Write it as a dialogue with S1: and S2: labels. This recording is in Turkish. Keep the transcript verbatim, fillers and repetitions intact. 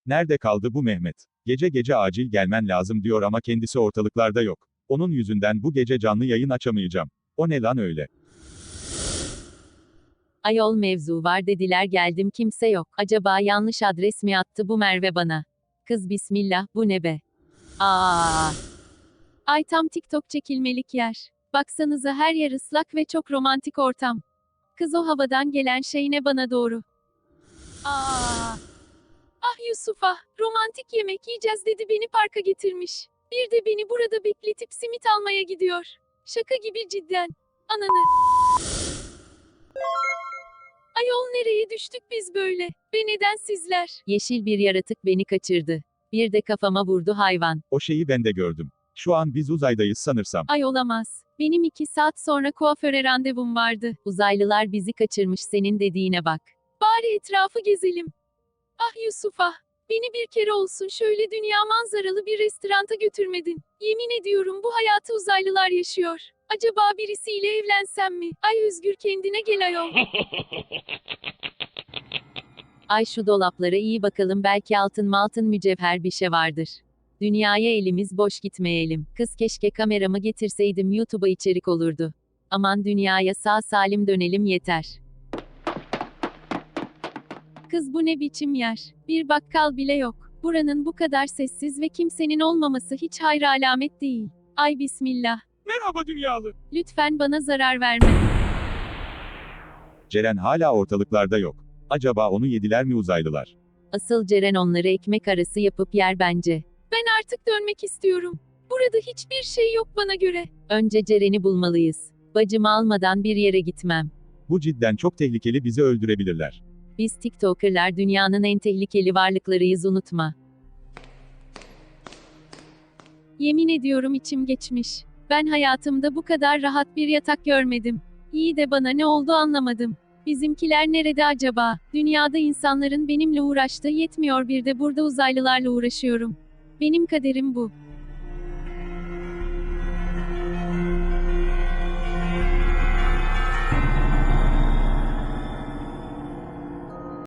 S1: Nerede kaldı bu Mehmet? Gece gece acil gelmen lazım diyor ama kendisi ortalıklarda yok. Onun yüzünden bu gece canlı yayın açamayacağım. O ne lan öyle?
S2: Ayol mevzu var dediler geldim kimse yok. Acaba yanlış adres mi attı bu Merve bana? Kız bismillah bu ne be? Aa. Ay tam TikTok çekilmelik yer. Baksanıza her yer ıslak ve çok romantik ortam. Kız o havadan gelen şey ne bana doğru? Aa. Ah Yusuf'a, romantik yemek yiyeceğiz dedi beni parka getirmiş. Bir de beni burada bekletip simit almaya gidiyor. Şaka gibi cidden. Ananı. Ayol nereye düştük biz böyle? Ve neden sizler? Yeşil bir yaratık beni kaçırdı. Bir de kafama vurdu hayvan.
S1: O şeyi ben de gördüm. Şu an biz uzaydayız sanırsam.
S2: Ay olamaz. Benim iki saat sonra kuaföre randevum vardı. Uzaylılar bizi kaçırmış senin dediğine bak. Bari etrafı gezelim. Ah Yusuf ah. Beni bir kere olsun şöyle dünya manzaralı bir restoranta götürmedin. Yemin ediyorum bu hayatı uzaylılar yaşıyor. Acaba birisiyle evlensem mi? Ay Özgür kendine gel ayol. Ay şu dolaplara iyi bakalım belki altın maltın mücevher bir şey vardır. Dünyaya elimiz boş gitmeyelim. Kız keşke kameramı getirseydim YouTube'a içerik olurdu. Aman dünyaya sağ salim dönelim yeter. Kız bu ne biçim yer? Bir bakkal bile yok. Buranın bu kadar sessiz ve kimsenin olmaması hiç hayır alamet değil. Ay bismillah.
S1: Merhaba dünyalı.
S2: Lütfen bana zarar verme.
S1: Ceren hala ortalıklarda yok. Acaba onu yediler mi uzaylılar?
S2: Asıl Ceren onları ekmek arası yapıp yer bence. Ben artık dönmek istiyorum. Burada hiçbir şey yok bana göre. Önce Ceren'i bulmalıyız. Bacımı almadan bir yere gitmem.
S1: Bu cidden çok tehlikeli, bizi öldürebilirler.
S2: Biz TikToker'lar dünyanın en tehlikeli varlıklarıyız unutma. Yemin ediyorum içim geçmiş. Ben hayatımda bu kadar rahat bir yatak görmedim. İyi de bana ne oldu anlamadım. Bizimkiler nerede acaba? Dünyada insanların benimle uğraştığı yetmiyor bir de burada uzaylılarla uğraşıyorum. Benim kaderim bu.